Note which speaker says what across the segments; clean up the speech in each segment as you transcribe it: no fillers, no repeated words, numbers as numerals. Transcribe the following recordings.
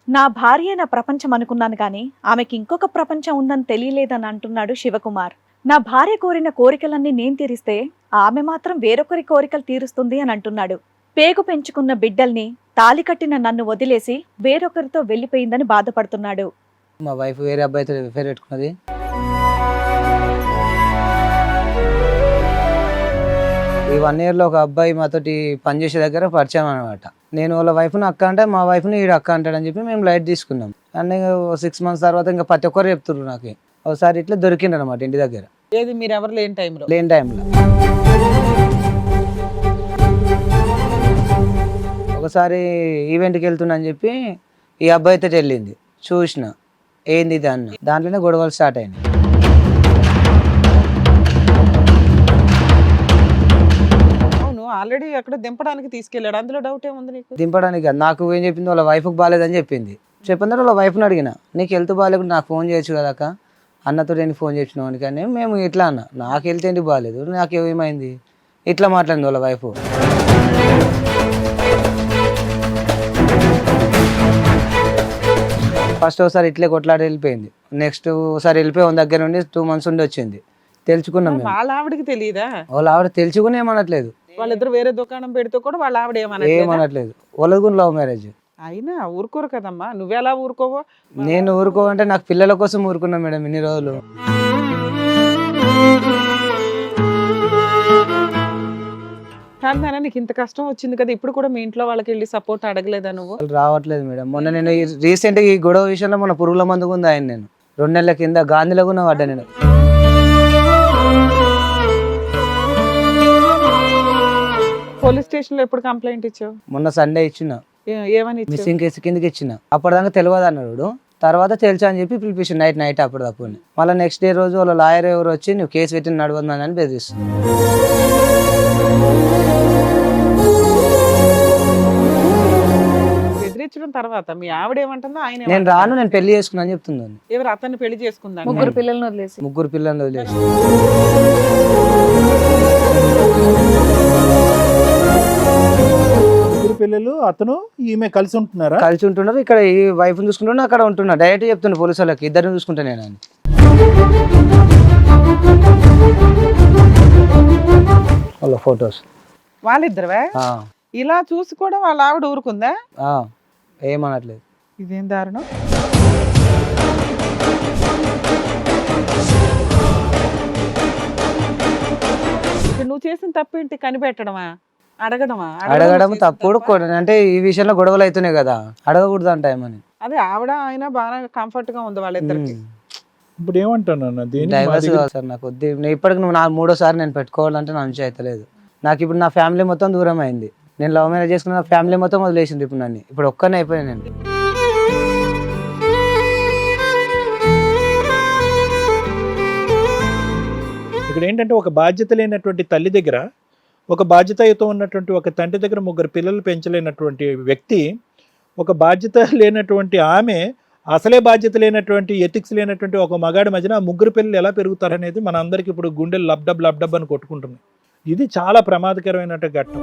Speaker 1: నా భార్య నా ప్రపంచం అనుకున్నాను కానీ ఆమెకి ఇంకొక ప్రపంచం ఉందని తెలియలేదని అంటున్నాడు శివకుమార్. నా భార్య కోరిన కోరికలన్నీ నేను తీరిస్తే ఆమె మాత్రం వేరొకరి కోరికలు తీరుస్తుంది అని అంటున్నాడు. పేగు పెంచుకున్న బిడ్డల్ని తాలి కట్టిన నన్ను వదిలేసి వేరొకరితో వెళ్లిపోయిందని బాధపడుతున్నాడు.
Speaker 2: మా వైఫ్ వేరే అబ్బాయితో ఎఫ్ఐఆర్ పెట్టుకున్నది. ఈ 1 year లో ఒక అబ్బాయి మాతోటి పనిచేసే దగ్గర పరిచయం అనమాట. నేను వాళ్ళ వైఫ్ని అక్క అంటే మా వైఫ్ని ఈడు అక్క అంటాడని చెప్పి మేము లైట్ తీసుకున్నాం. అండ్ 6 months తర్వాత ఇంకా ప్రతి ఒక్కరు చెప్తున్నారు నాకు. ఒకసారి ఇట్లా దొరికిండు అనమాట ఇంటి దగ్గర.
Speaker 3: ఏది మీరు ఎవరు లేని టైంలో?
Speaker 2: లేని టైంలో ఒకసారి ఈవెంట్కి వెళ్తున్నా అని చెప్పి ఈ అబ్బాయితో వెళ్ళింది. చూసిన ఏంది ఇది అన్న, దాంట్లోనే గొడవలు స్టార్ట్ అయినాయి.
Speaker 3: ఆల్రెడీ అక్కడ దింపడానికి తీసుకెళ్ళాడు, అందులో డౌట్ ఏముంది నీకు?
Speaker 2: దింపడానికి కాదు, నాకు ఏం చెప్పింది వాళ్ళ వైఫ్కి బాగాలేదని చెప్పింది. చెప్పిన వాళ్ళ వైఫ్ని అడిగిన, నీకు హెల్త్ బాగాలేకుండా నాకు ఫోన్ చేయొచ్చు కదా అక్క, అన్నతో నేను ఫోన్ చేసినావు కానీ మేము ఇట్లా అన్న, నాకు హెల్త్ ఏంటి బాగాలేదు, నాకు ఏమైంది ఇట్లా మాట్లాడింది వాళ్ళ వైఫ్. ఫస్ట్ ఒకసారి ఇట్లే కొట్లాడి వెళ్ళిపోయింది. నెక్స్ట్ ఒకసారి వెళ్ళిపోయి వాళ్ళ దగ్గర నుండి 2 months ఉండి వచ్చింది. తెలుసుకున్నాం మేము.
Speaker 3: వాళ్ళ ఆవిడకి తెలియదా?
Speaker 2: వాళ్ళ ఆవిడ తెలుసుకుని ఏమనట్లేదు.
Speaker 3: వాళ్ళిద్దరు వేరే దుకాణం పెడితే కూడా వాళ్ళ ఆవిడ
Speaker 2: ఏమనట్లేదు. వాళ్ళది కూడా లవ్ మ్యారేజ్.
Speaker 3: అయినా ఊరుకోరు కదమ్మా, నువ్వెలా ఊరుకోవో?
Speaker 2: నేను ఊరుకోవంటే నాకు పిల్లల కోసం ఊరుకున్నా మేడం ఇన్ని రోజులు.
Speaker 3: కానీ నీకు ఇంత కష్టం వచ్చింది కదా, ఇప్పుడు కూడా మీ ఇంట్లో వాళ్ళకి వెళ్ళి సపోర్ట్ అడగలేదా నువ్వు?
Speaker 2: వాళ్ళు రావట్లేదు మేడం. మొన్న నేను రీసెంట్గా ఈ గొడవ విషయంలో మొన్న పురుగుల మందుకు ఉంది ఆయన, నేను 2 నెలల కింద గాంధీలో కూడా పడ్డా. నేను
Speaker 3: పోలీస్ స్టేషన్ లో ఎప్పుడు కంప్లైంట్ ఇచ్చావు?
Speaker 2: మొన్న సండే ఇచ్చిన,
Speaker 3: ఏమని ఇచ్చావు?
Speaker 2: మిస్సింగ్ కేసు కిందకి ఇచ్చిన. అప్పటిదాకా తెలియదు అన్నాడు. తర్వాత తెలుసా అని చెప్పి పిలిపించింది నైట్ అప్పటిదప్పుడు. మళ్ళీ నెక్స్ట్ డే రోజు వాళ్ళ లాయర్ ఎవరు వచ్చి నువ్వు కేసు పెట్టి నడవద్దని బెదిరిస్తుంది.
Speaker 3: బెదిరించడం తర్వాత మీ ఆవిడ ఏమంటుందో? ఆయన
Speaker 2: నేను రాను, నేను పెళ్లి చేసుకున్నా అని చెప్తుంది.
Speaker 3: ఎవరు అతన్ని పెళ్లి చేసుకుందా?
Speaker 1: 3 పిల్లలను వదిలేసి.
Speaker 2: 3 పిల్లల్ని వదిలేసి.
Speaker 4: పిల్లలు అతను ఈమె కలిసి ఉంటున్నారా?
Speaker 2: కలిసి ఉంటున్నారు. ఇక్కడ ఈ వైఫ్ చూసుకుంటున్నా, అక్కడ ఉంటున్నా. డైరెక్ట్ చెప్తున్నా పోలీసు వాళ్ళకి, ఇద్దరిని చూసుకుంటా నేను అని. వాళ్ళ ఫొటోస్
Speaker 3: వాళ్ళిద్దరువే ఇలా చూసి కూడా వాళ్ళ ఆవిడ ఊరుకుందా?
Speaker 2: ఏమనట్లేదు.
Speaker 3: ఇదేం దారుణం. నువ్వు చేసిన తప్పు ఏంటి? కనిపెట్టడమా?
Speaker 2: అడగడం తప్పుడు. అంటే ఈ విషయంలో గొడవలు అవుతున్నాయి కదా, అడగకూడదు అంట ఏమని.
Speaker 3: అదే ఆవిడ ఆయన బాగా కంఫర్ట్ గా ఉంది వాళ్ళిద్దరికి.
Speaker 4: ఇప్పుడు ఏమంటాను,
Speaker 2: డైవర్స్ కావాలి సార్ నాకు. ఇప్పటికి నువ్వు 3వ నేను పెట్టుకోవాలంటే నా నుంచి అవుతలేదు. నాకు ఇప్పుడు నా ఫ్యామిలీ మొత్తం దూరం అయింది. నేను లవ్ మ్యారేజ్ చేసుకున్న నా ఫ్యామిలీ మొత్తం వదిలేసింది ఇప్పుడు నన్ను. ఇప్పుడు ఒక్కనే అయిపోయాను నేను.
Speaker 4: ఇక్కడ ఏంటంటే ఒక బాధ్యత లేనటువంటి తల్లి దగ్గర, ఒక బాధ్యతతో ఉన్నటువంటి ఒక తండ్రి దగ్గర 3 పిల్లలు పెంచలేనటువంటి వ్యక్తి, ఒక బాధ్యత లేనటువంటి ఆమె, అసలే బాధ్యత లేనటువంటి ఎథిక్స్ లేనటువంటి ఒక మగాడి మధ్యన 3 పిల్లలు ఎలా పెరుగుతారనేది మన అందరికి ఇప్పుడు గుండెలు లబ్డబ్ అని కొట్టుకుంటుంది. ఇది చాలా ప్రమాదకరమైన ఘట్టం.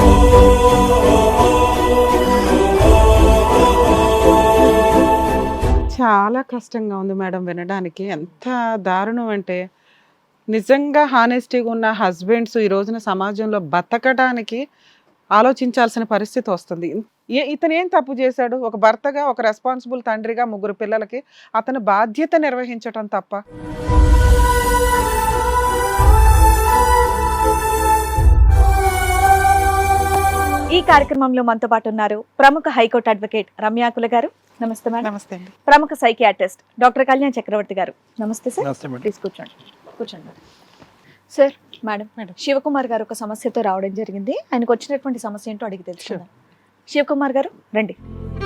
Speaker 3: చాలా కష్టంగా ఉంది మేడం వినడానికి. ఎంత దారుణం అంటే, నిజంగా హానెస్టీగా ఉన్న హస్బెండ్స్ ఈ రోజున సమాజంలో బతకడానికి ఆలోచించాల్సిన పరిస్థితి వస్తుంది. ఇతను ఏం తప్పు చేశాడు? ఒక భర్తగా, ఒక రెస్పాన్సిబుల్ తండ్రిగా 3 పిల్లలకి అతను బాధ్యత నిర్వహించటం తప్ప.
Speaker 1: ఈ కార్యక్రమంలో మనతో పాటు ఉన్నారు ప్రముఖ హైకోర్టు అడ్వకేట్ రమ్యాకుల గారు. నమస్తే మేడం.
Speaker 3: నమస్తే అండి.
Speaker 1: ప్రముఖ సైకియాట్రిస్ట్ డాక్టర్ కళ్యాణ్ చక్రవర్తి గారు. నమస్తే సార్. ప్లీజ్ కూర్చోండి. సార్, మేడం, శివకుమార్ గారు ఒక సమస్యతో రావడం జరిగింది. ఆయనకు వచ్చినటువంటి సమస్య ఏంటో అడిగి తెలుసుకుందాం. శివకుమార్ గారు రండి.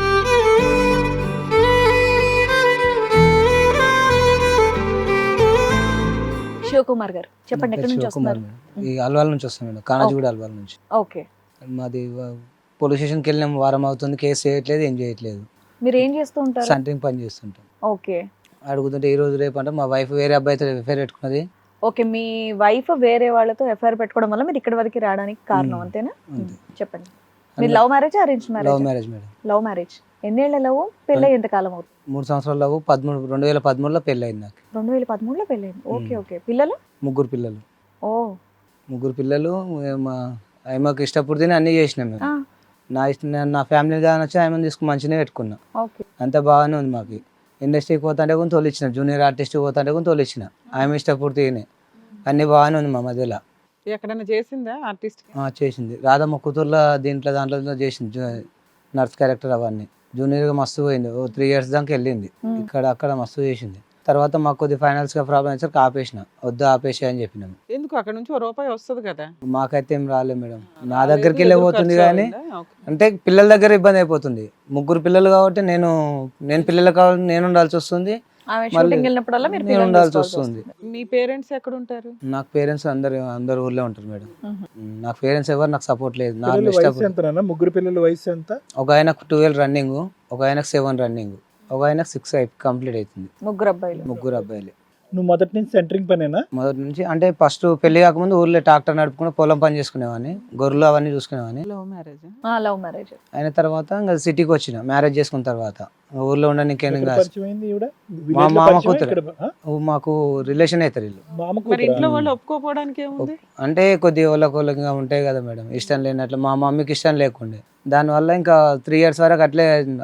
Speaker 1: శివకుమార్ గారు చెప్పండి, ఎక్కడి నుంచి వస్తున్నారు?
Speaker 2: అల్వాల్ నుంచి వస్తాను మేడం, కానాజీగూడ అల్వాల్ నుంచి.
Speaker 1: ఓకే.
Speaker 2: మాది పోలీస్ స్టేషన్కి వెళ్ళిన వారం అవుతుంది, కేసు చేయట్లేదు, ఏం చేయట్లేదు.
Speaker 1: మీరు ఏం చేస్తూ ఉంటారు?
Speaker 2: సెంటరింగ్ పని చేస్తుంటాం.
Speaker 1: ఓకే.
Speaker 2: అడుగుతుంటే ఈ రోజు రేపు అంటే మా వైఫ్ వేరే అబ్బాయితో ఎఫ్ఐఆర్ పెట్టుకున్నది.
Speaker 1: ఓకే, మీ వైఫ్ వేరే వాళ్ళతో ఎఫ్ఐఆర్ పెట్టుకోవడం వల్ల మీరు ఇక్కడి వరకు రావడానికి కారణం అంతేనా? చెప్పండి. మీరు love marriage arrange
Speaker 2: love
Speaker 1: marriage?
Speaker 2: Marriage madam.
Speaker 1: Love marriage. ఎన్నేళ్ల లవ్? పెళ్ళి ఎంతకాలం అవుతుంది?
Speaker 2: 3 సంవత్సరాల లవ్. 2013లో పెళ్ళి అయింది నాకు.
Speaker 1: 2013లో పెళ్ళైంది. Okay okay. పిల్లలు?
Speaker 2: 3 పిల్లలు.
Speaker 1: ఓ
Speaker 2: 3 పిల్లలు. ఆమెకు ఇష్టపడితేనే అన్నీ చేసినాం మేము. నా ఇష్టం, నా ఫ్యామిలీ దాని వచ్చి ఆమెను తీసుకుని మంచిగానే పెట్టుకున్నా.
Speaker 1: ఓకే.
Speaker 2: అంత బాగానే ఉంది మాకు. ఇండస్ట్రీకి పోతుంటే కూడా తోలిచ్చిన, జూనియర్ ఆర్టిస్ట్ పోతుంటే కూడా తోలిచ్చిన. ఆమె ఇష్టపడితేనే అన్నీ బాగానే ఉంది మా మధ్యలో.
Speaker 3: ఎక్కడైనా చేసిందా ఆర్టిస్ట్?
Speaker 2: చేసింది రాధమ్మ కూతుర్లో దాంట్లో చేసింది నర్స్ క్యారెక్టర్ అవన్నీ. జూనియర్గా మస్తు పోయింది. 3 years దాకా వెళ్ళింది. ఇక్కడ అక్కడ మస్తు చేసింది. తర్వాత మాకు కొద్ది ఫైనాన్స్గా ప్రాబ్లం వచ్చాక ఆపేసిన. వద్దు ఆపేసి అని చెప్పినాము.
Speaker 3: ఎందుకు అక్కడ నుంచి రూపాయి వస్తుంది కదా?
Speaker 2: మాకైతే ఏం రాలేదు మేడం. నా దగ్గరికి వెళ్ళి పోతుంది కానీ అంటే పిల్లల దగ్గర ఇబ్బంది అయిపోతుంది. 3 పిల్లలు కాబట్టి నేను పిల్లలు కావాలి, నేను ఉండాల్సి వస్తుంది.
Speaker 1: ఆమె షూటింగ్ వెళ్ళినప్పుడల్లా మీరు
Speaker 2: నేను ఉండాల్సి వస్తుంది.
Speaker 3: మీ పేరెంట్స్ ఎక్కడ ఉంటారు?
Speaker 2: నాకు పేరెంట్స్ అందరు ఊర్లో ఉంటారు మేడం. నాకు పేరెంట్స్ ఎవరు నాకు సపోర్ట్ లేదు. నా
Speaker 4: పిల్లల వయసు ఎంత నాన్న? 3 పిల్లల వయసు ఎంత?
Speaker 2: ఒక ఆయనకు 12 రన్నింగ్, ఒక ఆయనకు 7 రన్నింగ్, ఒక ఆయనకు 6 కంప్లీట్ అవుతుంది.
Speaker 1: 3 అబ్బాయిలు.
Speaker 2: 3 అబ్బాయిలు.
Speaker 4: నువ్వు మొదటి నుంచి సెంటరింగ్ పనేనా?
Speaker 2: మొదటి నుంచి అంటే ఫస్ట్ పెళ్లి కాకముందు ఊర్లో ట్రాక్టర్ నడుపుకుని పొలం పని చేసుకునేవాడిని, గొర్రెలు అవన్నీ చూసుకునేవాడిని.
Speaker 3: Love marriage?
Speaker 1: లవ్ మ్యారేజ్
Speaker 2: అయిన తర్వాత ఇంకా సిటీకి వచ్చిన మ్యారేజ్ చేసుకున్న తర్వాత. ఊర్లో ఉండడానికి
Speaker 4: ఎక్కడ పరిచయం అయింది ఈవిడ?
Speaker 2: మా
Speaker 4: Village లో
Speaker 2: మామ
Speaker 4: పరిచయం
Speaker 2: కూతురు.
Speaker 4: ఇక్కడ?
Speaker 2: మాకు రిలేషన్ అవుతారు వీళ్ళు.
Speaker 4: మామ
Speaker 3: మరి ఇంట్లో
Speaker 4: కూతురా?
Speaker 3: వాళ్ళు ఒప్పుకోపోవడానికి ఏముంది?
Speaker 2: అంటే కొద్ది వాళ్ళకి ఉంటాయి కదా మేడం, ఇష్టం లేనట్లు. మా మమ్మీకి ఇష్టం లేకుండే. దానివల్ల ఇంకా 3 years వరకు అట్లే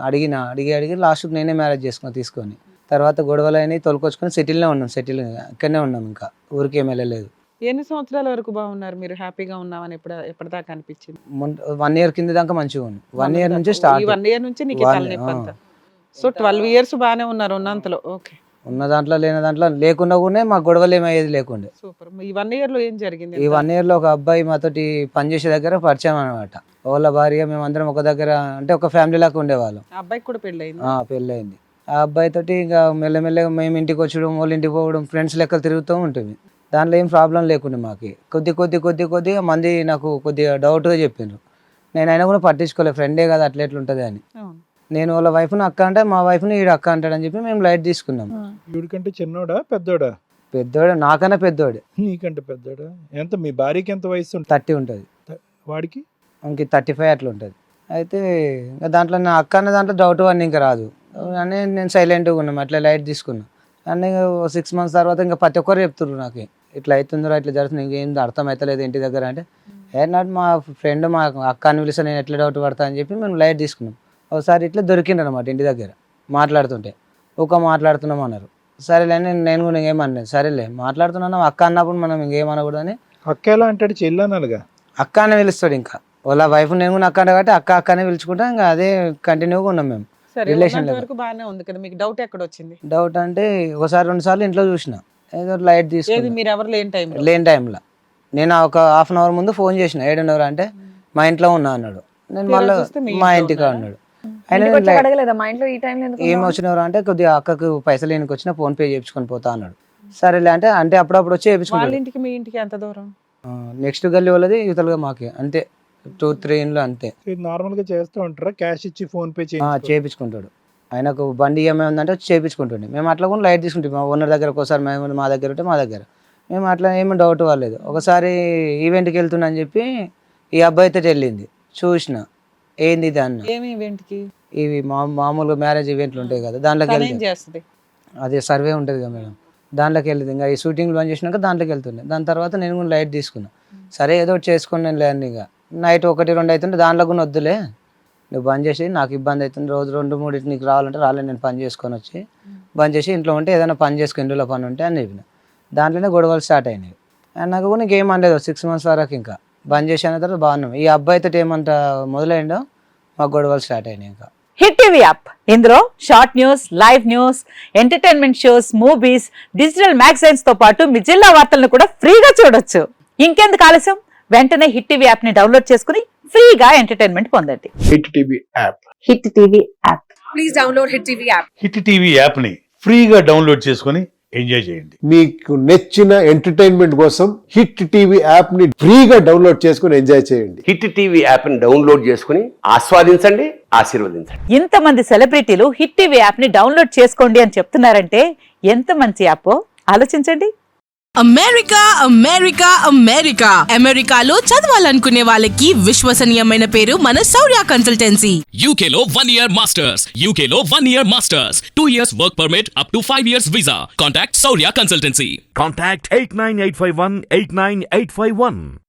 Speaker 2: అడిగి లాస్ట్కి నేనే మ్యారేజ్ తీసుకొని తర్వాత గొడవలు అయినాయి, తోలుకొచ్చుకొని సిటీలో ఉన్నాం. ఇక్కడనే ఉన్నాం, ఇంకా ఊరికి ఏం వెళ్ళలేదు.
Speaker 3: ఎన్ని సంవత్సరాల వరకు బాగున్నారు మీరు? హ్యాపీగా ఉన్నామని ఎప్పటిదాకా అనిపించింది?
Speaker 2: 1 year కింద దాకా మంచిగా ఉంది. 1 year నుంచి స్టార్ట్.
Speaker 3: ఈ 1 year నుంచి నీకు ఈ తలనొప్పి అంతా. సో 12 years బాగానే ఉన్నారు ఉన్నంతలో. ఓకే.
Speaker 2: ఉన్న దాంట్లో లేని దాంట్లో లేకుండా కూడా మా గొడవలు ఏమయ్యేది లేకుండే.
Speaker 3: సూపర్. ఈ 1 year లో ఏం జరిగింది?
Speaker 2: ఈ 1 year లో ఒక అబ్బాయి మాతోటి పనిచేసే దగ్గర పరిచయం అనమాట. వాళ్ళ భార్య, మేమందరం ఒక దగ్గర అంటే ఒక ఫ్యామిలీ లాగా ఉండేవాళ్ళం.
Speaker 3: ఆ అబ్బాయికి కూడా పెళ్ళయింది?
Speaker 2: పెళ్ళయింది. ఆ అబ్బాయి తోటి ఇంకా మెల్లమెల్లగా మేము ఇంటికి వచ్చడం, వాళ్ళ ఇంటికి పోవడం, ఫ్రెండ్స్ లెక్కలు తిరుగుతూ ఉంటుంది. దాంట్లో ఏం ప్రాబ్లం లేకుండా మాకు కొద్దిగా మంది నాకు కొద్దిగా డౌట్గా చెప్పిండ్రు. నేను అయినా కూడా పట్టించుకోలేదు, ఫ్రెండే కదా అట్లా ఎట్లుంటుంది అని. నేను వాళ్ళ వైఫ్ని అక్క అంటే మా వైఫ్ని ఈడు అక్క అంటాడని చెప్పి మేము లైట్ తీసుకున్నాం.
Speaker 4: ఈవిడికంటే చిన్నోడా పెద్దోడా?
Speaker 2: పెద్దోడు, నాకన్నా పెద్దోడు.
Speaker 4: నీకంటే పెద్దోడా? ఎంత? మీ భార్యకి ఎంత వయసు ఉంటుంది?
Speaker 2: 30 ఉంటుంది.
Speaker 4: వాడికి
Speaker 2: ఇంక 35 అట్లా ఉంటుంది. అయితే ఇంకా దాంట్లో నా అక్క అన్న దాంట్లో డౌట్ అని ఇంకా రాదు అని నేను సైలెంట్గా ఉన్నాం, అట్లా లైట్ తీసుకున్నాం. అన్నీ 6 months తర్వాత ఇంకా ప్రతి ఒక్కరు చెప్తున్నారు నాకు, ఇట్లా అవుతుందిరా, ఇట్లా జరుగుతుంది, ఇంకేం అర్థం అవుతలేదు ఇంటి దగ్గర. అంటే నాట్ మా ఫ్రెండ్, మా అక్క అని పిలిస్తే నేను ఎట్లా డౌట్ పడతా అని చెప్పి మేము లైట్ తీసుకున్నాం. ఒకసారి ఇట్లా దొరికిండు అనమాట ఇంటి దగ్గర మాట్లాడుతుంటే. మాట్లాడుతున్నాం అన్నారు. సరేలే నేను కూడా ఇంకేమన్నాను. సరేలే మాట్లాడుతున్నాను, అక్క అన్నప్పుడు మనం ఇంకేమనకూడదని.
Speaker 4: అక్క ఎలా అంటాడు? చెల్లన్నానుగా.
Speaker 2: అక్క అని పిలుస్తాడు. ఇంకా వాళ్ళ వైఫ్ నేను కూడా అక్క అంటే కాబట్టి అక్క అనే పిలుచుకుంటా. ఇంకా అదే కంటిన్యూగా ఉన్నాం మేము.
Speaker 3: సరే,
Speaker 2: రిలేషన్
Speaker 3: వరకు బాగానే ఉంది కదా. మీకు డౌట్ ఎక్కడ వచ్చింది?
Speaker 2: డౌట్ అంటే ఒకసారి 2 సార్లు ఇంట్లో చూసిన, ఏదో లైట్
Speaker 3: ఏది
Speaker 2: తీసుకుని
Speaker 3: మీరు ఎవరు లేని
Speaker 2: టైంలో నేను ఒక 1/2 hour ముందు ఫోన్ చేసిన. 7:30 అంటే మా ఇంట్లో ఉన్నా అన్నాడు. నేను మళ్ళీ మా ఇంటికి అన్నాడు.
Speaker 1: అడగలేదా మా ఇంట్లో ఈ టైం
Speaker 2: ఏం వచ్చినవారు అంటే కొద్దిగా అక్కకు పైసలు లేనికి వచ్చినా ఫోన్ పే చేయించుకొని పోతా అన్నాడు. సరేలే అంటే అప్పుడప్పుడు వచ్చి
Speaker 3: వాళ్ళ
Speaker 2: చేయించుకుంటాడు.
Speaker 3: ఇంటికి మీ ఇంటికి ఎంత దూరం?
Speaker 2: నెక్స్ట్ గల్లీ వాళ్ళది యువతలుగా మాకే, అంతే 2-3 ఇండ్లు అంతే.
Speaker 4: నార్మల్ గా చేస్తూ ఉంటారా? క్యాష్ ఇచ్చి ఫోన్ పే
Speaker 2: చేయించుకుంటాడు. ఆయనకు బండి ఏమైనా ఉందంటే వచ్చి చేయించుకుంటుండే. మేము అట్లా కూడా లైట్ తీసుకుంటాం. మా ఓనర్ దగ్గర ఒకసారి మేము మా దగ్గర ఉంటే మా దగ్గర మేము అట్లా ఏమి డౌట్ వాళ్ళలేదు. ఒకసారి ఈవెంట్కి వెళ్తున్నా అని చెప్పి ఈ అబ్బాయితో వెళ్ళింది. చూసిన ఏంది ఇది అన్న.
Speaker 3: ఏమి ఈవెంట్కి?
Speaker 2: ఇవి మామూలుగా మ్యారేజ్ ఈవెంట్లు ఉంటాయి కదా, దాంట్లోకి వెళ్తే
Speaker 3: చేస్తుంది.
Speaker 2: అదే సర్వే ఉంటుంది కదా మేడం, దాంట్లోకి వెళ్ళింది. ఇంకా ఈ షూటింగ్లు బంద్ చేసినాక దాంట్లోకి వెళ్తుండే. దాని తర్వాత నేను కూడా లైట్ తీసుకున్నా. సరే ఏదో ఒకటి చేసుకున్నాను లేని. ఇక నైట్ 1-2 అవుతుంటే దాంట్లో కూడా వద్దులే, నువ్వు బంద్ చేసి, నాకు ఇబ్బంది అవుతుంది, రోజు 2-3 నీకు రావాలంటే రాలేదు, నేను పని చేసుకొని వచ్చి బంద్ చేసి ఇంట్లో ఉంటే ఏదైనా పని చేసుకుని ఇంట్లో పని ఉంటే అని చెప్పిన. దాంట్లోనే గొడవలు స్టార్ట్ అయినాయి. నాకు కూడా నీకేం అనలేదు 6 months వరకు. ఇంకా బంద్ చేసి అన్న తర్వాత బాగున్నాం. ఈ అబ్బాయితో ఏమంట మొదలైందో మాకు గొడవలు స్టార్ట్ అయినాయి. ఇంకా
Speaker 5: హిట్ టీవీ యాప్, ఇందులో short news, live news, entertainment shows, movies, digital magazines తో పాటు మీ జిల్లా వార్తలను కూడా ఫ్రీగా చూడొచ్చు. ఇంకెందుకు ఆలస్యం, వెంటనే హిట్ టీవీ యాప్ ని డౌన్లోడ్ చేసుకుని ఫ్రీగా ఎంటర్టైన్మెంట్ పొందండి.
Speaker 6: Hit TV app.
Speaker 5: Hit TV app.
Speaker 7: Please download hit TV app.
Speaker 6: Hit TV app ని ఫ్రీగా డౌన్లోడ్ చేసుకొని ఎంజాయ్ చేయండి.
Speaker 8: మీకు నచ్చిన ఎంటర్టైన్మెంట్ కోసం హిట్ టీవీ యాప్ ని ఫ్రీగా డౌన్లోడ్ చేసుకుని ఎంజాయ్ చేయండి.
Speaker 9: హిట్ టీవీ యాప్ ని డౌన్లోడ్ చేసుకుని ఆస్వాదించండి, ఆశీర్వదించండి.
Speaker 5: ఇంతమంది సెలబ్రిటీలు హిట్ టీవీ యాప్ ని డౌన్లోడ్ చేసుకోండి అని చెప్తున్నారంటే ఎంత మంచి యాప్ ఆలోచించండి.
Speaker 7: అమెరికా అమెరికా అమెరికా అమెరికాలో చదవాలనుకునే వాళ్ళకి విశ్వసనీయమైన పేరు మన శౌర్య కన్సల్టెన్సీ.
Speaker 10: UK లో 1 year masters. UK లో 1 year masters. 2 years work permit up to 5 years visa. Contact Saurya Consultancy.
Speaker 11: Contact 89851 89851.